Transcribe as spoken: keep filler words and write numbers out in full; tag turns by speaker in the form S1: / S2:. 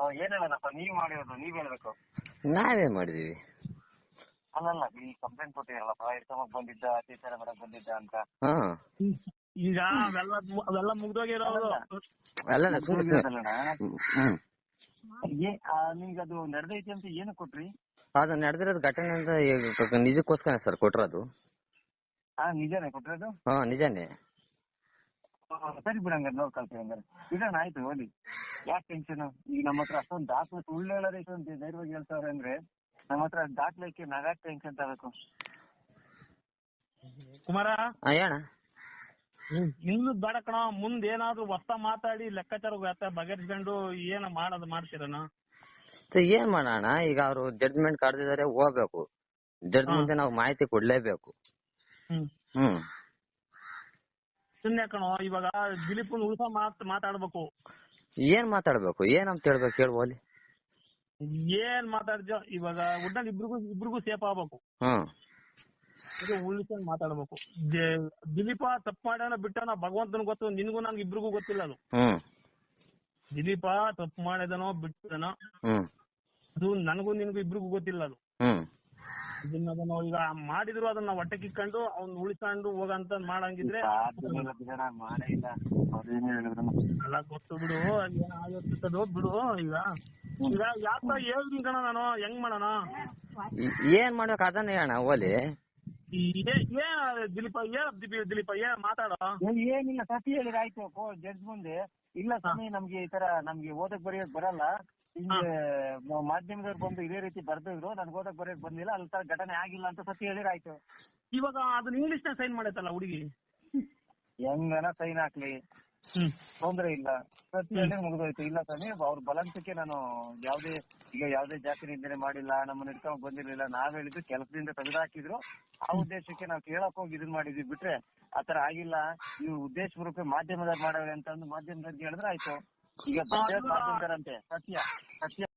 S1: ಏನ್ ಹೇಳೋಣಪ್ಪ, ನೀವ್ ಮಾಡಿರೋದು ನೀವ್ ಹೇಳ್ಬೇಕು.
S2: ನಾವೇನ್ ಮಾಡಿದೀವಿ?
S1: ಅಲ್ಲಲ್ಲ, ಈ ಕಂಪ್ಲೇಂಟ್ ಕೊಟ್ಟಿರಲ್ಲಪ್ಪ, ಇರ್ಕೊಂಬಕ್ ಬಂದಿದ್ದ, ಅತ್ಯಾಚಾರ ಮಾಡಕ್ ಬಂದಿದ್ದ ಅಂತ.
S2: ಹಾ
S3: ಈಗ ಅವೆಲ್ಲ ಅವೆಲ್ಲ ಮುಗ್ದೋಗಿರೋದು.
S2: ಅಲ್ಲ ಹ್ಮ್
S1: ನಿಮ್ಗೆ ಅದು ನಡೆದೈತಿ ಅಂತ ಏನು ಕೊಟ್ರಿ?
S2: ಅದು ನಡೆದಿರೋದು ಘಟನೆ ಅಂತ ಈಗ ನಿಜಕ್ಕೋಸ್ಕರ ಸರ್ ಕೊಟ್ಟಿರೋದು.
S1: ಹಾ ನಿಜಾನೇ ಕೊಟ್ಟಿರೋದು?
S2: ಹಾ ನಿಜಾನೇ.
S1: ಸರಿ ಬಿಡಂಗ ನೋಡ್ಕೊಳ್ತೀವಿ ಹಂಗಾರೆ. ಬಿಡೋಣ ಆಯ್ತು, ಹೋಗಿ ಯಾಕೆ ಟೆನ್ಷನ್? ಈಗ ನಮ್ಮ ಹತ್ರ ಅಷ್ಟೊಂದು ದಾಖಲೆ ಸುಳ್ಳು ಹೇಳೋದೇ ಇಷ್ಟೊಂದು ಧೈರ್ಯವಾಗಿ ಹೇಳ್ತಾವ್ರೆ ಅಂದ್ರೆ ನಮ್ಮ ಹತ್ರ ದಾಖಲೆಕ್ಕೆ ನಾವ್ಯಾಕೆ ಟೆನ್ಷನ್ ತಗೋಬೇಕು?
S3: ಕುಮಾರ
S2: ಹೇಳ.
S3: ಇನ್ನು ಬೇಡ ಕಣ, ಮುಂದ್ ಏನಾದ್ರು ಹೊಸ ಮಾತಾಡಿ ಲೆಕ್ಕಾಚಾರ ಬಗೆಹರಿಸ್ಕೊಂಡು ಏನ ಮಾಡೋದು ಮಾಡ್ತೀರನ?
S2: ಏನ್ ಮಾಡೋಣ, ಈಗ ಅವ್ರು ಜಡ್ಜ್ಮೆಂಟ್ ಕರೆದಿದ್ದಾರೆ, ಹೋಗ್ಬೇಕು. ಜಡ್ಜ್ ಮುಂದೆ ನಾವು ಮಾಹಿತಿ ಕೊಡ್ಲೇಬೇಕು.
S3: ಹ್ಮ್
S2: ಹ್ಮ್
S3: ಸುಮ್ನೆ ಕಣೋ, ಇವಾಗ ದಿಲೀಪ್ ಉಳ್ಸ ಮಾತ್ ಮಾತಾಡ್ಬೇಕು.
S2: ಏನ್ ಮಾತಾಡ್ಬೇಕು, ಏನಂತ ಹೇಳ್ಬೇಕು ಹೇಳು ಓಲಿ?
S3: ಏನ್ ಮಾತಾಡ್ಜೋ, ಇವಾಗ ಒಟ್ನಲ್ಲಿ ಇಬ್ರಿಗೂ ಇಬ್ರಿಗೂ ಸೇಫ್ ಆಗ್ಬೇಕು.
S2: ಹ್ಮ್
S3: ಉಳಿಸ್ಕೊಂಡ್ ಮಾತಾಡ್ಬೇಕು. ದಿಲೀಪ ತಪ್ಪು ಮಾಡ್ಯಾನ ಬಿಟ್ಟಾನ ಭಗವಂತನ ಗೊತ್ತು, ನಿನ್ಗೂ ನನ್ಗೆ ಇಬ್ರಿಗೂ ಗೊತ್ತಿಲ್ಲ ಅದು.
S2: ಹ್ಮ್
S3: ದಿಲೀಪ ತಪ್ಪು ಮಾಡಿದನೋ ಬಿಟ್ಟನೋ
S2: ಹ್ಮ್
S3: ಅದು ನನಗೂ ನಿನ್ಗೂ ಇಬ್ರಿಗೂ ಗೊತ್ತಿಲ್ಲ ಅದು.
S2: ಹ್ಮ್
S3: ಇದನ್ನ ಈಗ ಮಾಡಿದ್ರು ಅದನ್ನ ಹೊಟ್ಟೆ ಕಿಕ್ಕೊಂಡು ಅವ್ನ್ ಉಳಿಸ್ಕೊಂಡು ಹೋಗಂತ ಮಾಡಂಗಿದ್ರೆ ಎಲ್ಲ ಗೊತ್ತು ಬಿಡು, ಏನ್ ಆಗಿರ್ತದೋ ಬಿಡು. ಈಗ ಈಗ ಯಾಕ ಹೇಳ್ತೀನಿ ಕಣ ನಾನು, ಹೆಂಗ್ ಮಾಡೋಣ?
S2: ಏನ್ ಮಾಡ್ಬೇಕು ಅದನ್ನ ಹೇಳ ಓಲಿ.
S3: ಏನ್ ದಿಲೀಪ ಏನ್ ದಿಲೀಪ ಏನ್ ಮಾತಾಡೋ?
S1: ಏನಿಲ್ಲ, ಸತಿ ಹೇಳಿದ್ರೆ ಆಯ್ತು ಜಡ್ಜ್ ಮುಂದೆ. ಇಲ್ಲ ಸ್ವಾಮಿ, ನಮ್ಗೆ ಈ ತರ ನಮ್ಗೆ ಓದಕ್ ಬರೆಯಕ್ ಬರಲ್ಲ, ಹಿಂಗೆ ಮಾಧ್ಯಮದವ್ರು ಬಂದು ಇದೇ ರೀತಿ ಬರ್ದಿದ್ರು, ನನ್ಗೆ ಓದಕ್ ಬರೆಯಕ್ ಬಂದಿಲ್ಲ, ಅಲ್ಲಿ ತರ ಘಟನೆ ಆಗಿಲ್ಲ ಅಂತ ಸತಿ ಹೇಳಿದ್ರೆ ಆಯ್ತು.
S3: ಇವಾಗ ಅದನ್ನ ಇಂಗ್ಲಿಷ್ ನ ಸೈನ್ ಮಾಡೈತಲ್ಲ ಹುಡುಗಿ,
S1: ಹೆಂಗನ ಸೈನ್ ಹಾಕ್ಲಿ, ತೊಂದ್ರೆ ಇಲ್ಲ. ಸತಿ ಹೇಳಿ ಮುಗಿದೋಯ್ತು. ಇಲ್ಲ ಸ್ವಾಮಿ, ಅವ್ರ ಬಲಂತಕ್ಕೆ ನಾನು ಯಾವ್ದೇ ಈಗ ಯಾವ್ದೇ ಜಾತಿ ನಿಂದನೆ ಮಾಡಿಲ್ಲ, ನಮ್ಮನ್ನ ಇಟ್ಕೊಂಡ್ ಬಂದಿರ್ಲಿಲ್ಲ, ನಾವ್ ಹೇಳಿದ್ದು ಕೆಲಸದಿಂದ ತೆಗೆದಾಕಿದ್ರು, ಆ ಉದ್ದೇಶಕ್ಕೆ ನಾವು ಕೇಳಕ್ ಹೋಗಿ ಇದನ್ ಮಾಡಿದ್ವಿ ಬಿಟ್ರೆ ಆತರ ಆಗಿಲ್ಲ, ಇವ್ರು ಉದ್ದೇಶ ಪೂರ್ವಕ ಮಾಧ್ಯಮದವ್ರು ಮಾಡವ್ರೆ ಅಂತ ಅಂದು ಮಾಧ್ಯಮದವ್ರಿಗೆ ಹೇಳಿದ್ರೆ ಆಯ್ತು. ಈಗ ಮಾಧ್ಯಮದವರಂತೆ ಸತ್ಯ ಸತ್ಯ